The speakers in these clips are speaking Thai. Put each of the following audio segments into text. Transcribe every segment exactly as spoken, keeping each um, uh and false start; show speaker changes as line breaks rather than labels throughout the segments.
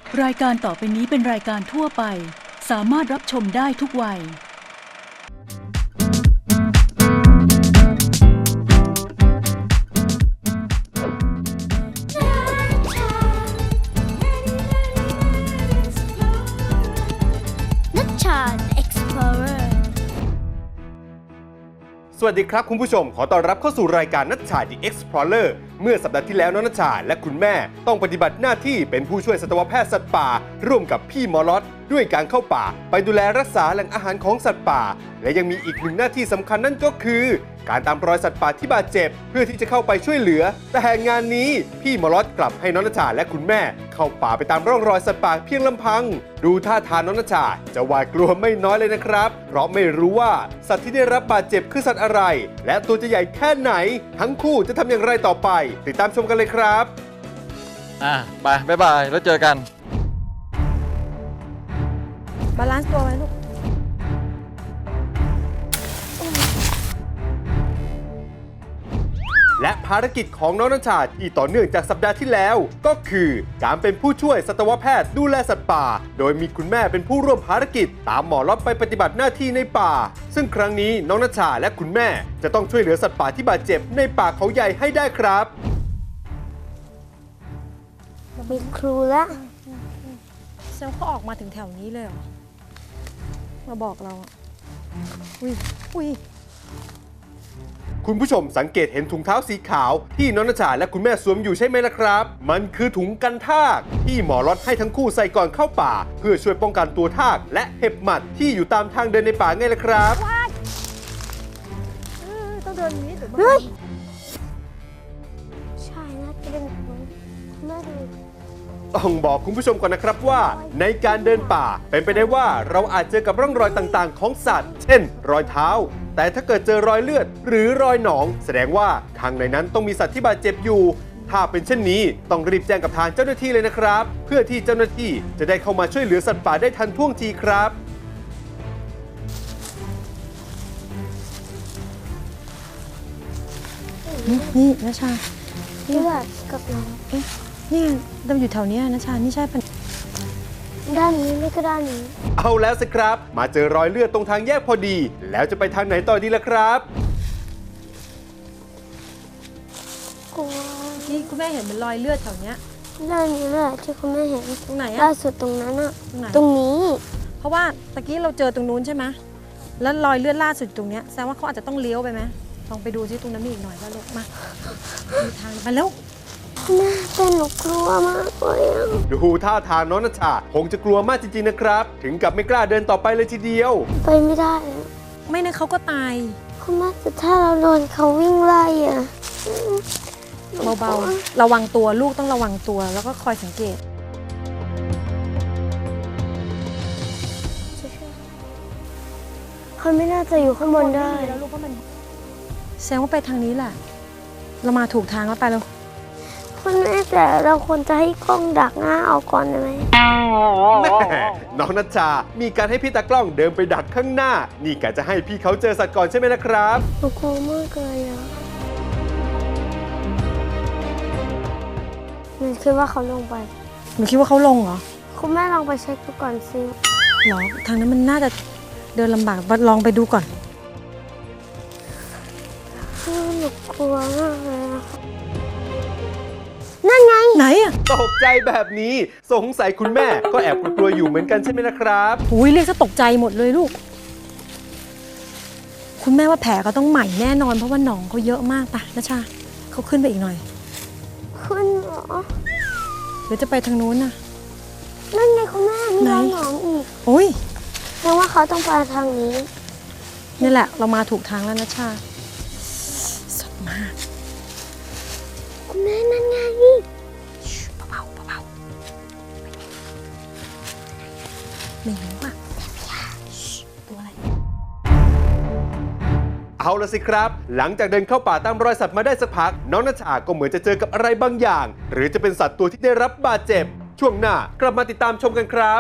รายการต่อไปนี้เป็นรายการทั่วไปสามารถรับชมได้ทุกวัย
นัชชา Explorer
สวัสดีครับคุณผู้ชมขอต้อนรับเข้าสู่รายการนัชชา The Explorer เมื่อสัปดาห์ที่แล้วน้องนัชชาและคุณแม่ต้องปฏิบัติหน้าที่เป็นผู้ช่วยสัตวแพทย์สัตว์ป่าร่วมกับพี่หมอล็อตด้วยการเข้าป่าไปดูแลรักษาแหล่งอาหารของสัตว์ป่าและยังมีอีกหนึ่งหน้าที่สำคัญนั่นก็คือการตามรอยสัตว์ป่าที่บาดเจ็บเพื่อที่จะเข้าไปช่วยเหลือแต่งานนี้พี่หมอล็อตกลับให้น้องนัชชาและคุณแม่เข้าป่าไปตามร่องรอยสัตว์ป่าเพียงลำพังดูท่าทางน้องนัชชาจะหวาดกลัวไม่น้อยเลยนะครับเพราะไม่รู้ว่าสัตว์ที่ได้รับบาดเจ็บคือสัตว์อะไรและตัวจะใหญ่แค่ไหนทั้งคู่จะทำอย่างไรต่อไปติดตามชมกันเลยครับ
อ่ะไปบ๊ายบายแล้วเจอกัน
บาลานซ์ตัวไว้ลูก
และภารกิจของน้องนัชชาที่ต่อเนื่องจากสัปดาห์ที่แล้วก็คือการเป็นผู้ช่วยสัตวแพทย์ดูแลสัตว์ป่าโดยมีคุณแม่เป็นผู้ร่วมภารกิจตามหมอล็อตไปปฏิบัติหน้าที่ในป่าซึ่งครั้งนี้น้องนัชชาและคุณแม่จะต้องช่วยเหลือสัตว์ป่าที่บาดเจ็บในป่าเขาใหญ่ให้ได้ครับ
มีครูละ
เซลเขาออกมาถึงแถวนี้เลยเหรอมาบอกเราอ่ะอุ้ยอุ้ย
คุณผู้ชมสังเกตเห็นถุงเท้าสีขาวที่น้องนัชชาและคุณแม่สวมอยู่ใช่ไหมล่ะครับมันคือถุงกันทากที่หมอล็อตให้ทั้งคู่ใส่ก่อนเข้าป่าเพื่อช่วยป้องกันตัวทากและเห็บหมัดที่อยู่ตามทางเดินในป่าไงล่ะครับ
ต้องเดินนี้หรือ
เฮ้ยใช่นะจะเป็นแม่ดู
ต้องบอกคุณผู้ชมก่อนนะครับว่าในการเดินป่าเป็นไปได้ว่าเราอาจเจอกับร่องรอยต่างๆของสัตว์เช่นรอยเท้าแต่ถ้าเกิดเจอรอยเลือดหรือรอยหนองแสดงว่าข้างในนั้นต้องมีสัตว์ที่บาดเจ็บอยู่ถ้าเป็นเช่นนี้ต้องรีบแจ้งกับทางเจ้าหน้าที่เลยนะครับเพื่อที่เจ้าหน้าที่จะได้เข้ามาช่วยเหลือสัตว์ป่าได้ทันท่วงทีครับ
นี่นี่นะชา
เลือดกับน้อง
เอ๊ะนี่ดำอยู่แถวนี้นะชานี่ใช่ปะ
ด้านนี้ไม่ก็ด้านนี้
เอาแล้วสิครับมาเจอรอยเลือดตรงทางแยกพอดีแล้วจะไปทางไหนต่อดีล่ะครับ
กลัว
นี่คุณแม่เห็นเป็นรอยเลือดแถวเนี้ย
ด้านนี้แหละที่คุณแม่เห็น
ตรงไหนอะ
ล่าสุดตรงนั้นอะ
ตรงไหน
ตรงนี้
เพราะว่าตะกี้เราเจอตรงนู้นใช่ไหมแล้วรอยเลือดล่าสุดตรงเนี้ยแสดงว่าเขาอาจจะต้องเลี้ยวไปไหมลองไปดูซิตรงนั้นมีอีกหน่อยก็ลูกมาดูทางไปแล้ว
แม่เป็นหนูกลัวมากเลย
ดูท่าทางน้องนัชชาคงจะกลัวมากจริงๆนะครับถึงกับไม่กล้าเดินต่อไปเลยทีเดียว
ไปไม่ได้
ไม่นะเขาก็ตาย
คุณแม่แต่ถ้าเราโดนเขาวิ่งไล่อะ
เบาๆระวังตัวลูกต้องระวังตัวแล้วก็คอยสังเกต
เขาไม่น่าจะอยู่ข้างบนได้
แล้วลูกก็มันแสดงว่าไปทางนี้แหละเรามาถูกทางแล้วไปแล้ว
คุณแม่แต่เราควรจะให้กล้องดักหน้าเอาก่อนได้ไหม
แม่น้องนัชชามีการให้พี่ตากล้องเดินไปดักข้างหน้านี่กะจะให้พี่เขาเจอสัตว์ก่อนใช่ไหมนะครับ
หนูกลัวมากเลยอ่ะหนูคิดว่าเขาลงไป
หนูคิดว่าเขาลงเหรอ
คุณแม่ลองไปเช็คดูก่อนสิ
หรอทางนั้นมันน่าจะเดินลำบากลองไปดูก่อน
หนูกลัวมากเลยนั่นไง
ไหนอะ
ตกใจแบบนี้สงสัยคุณแม่ก็แอบกลัวอยู่เหมือนกันใช่ไหมนะครับ
อุ้ยเรียกซะตกใจหมดเลยลูกคุณแม่ว่าแผลเขาต้องใหม่แน่นอนเพราะว่าหนองเขาเยอะมากปะนะชาเขาขึ้นไปอีกหน่อย
ขึ้นเหรอ
หรือจะไปทางนู้นน่ะ
นั่นไงคุณแม่มีรอยหนองอีก
โอ้ย
แปลว่าเขาต้องไปทางนี้
นี่แหละเรามาถูกทางแล้วนะชาสดมาก
คุณแม่นั่นไง
เบาๆเบาๆไม่รู้อ่ะตัวอะไร
เอาละสิครับหลังจากเดินเข้าป่าตามรอยสัตว์มาได้สักพักน้องนัชชาก็เหมือนจะเจอกับอะไรบางอย่างหรือจะเป็นสัตว์ตัวที่ได้รับบาดเจ็บช่วงหน้ากลับมาติดตามชมกันครับ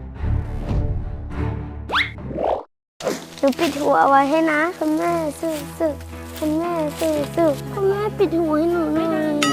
หนูปิดหัวไว้ให้นะคุณแม่ซื่อๆคุณแม่ซื่อๆคุณแม่ปิดหัวให้หนูหน่อย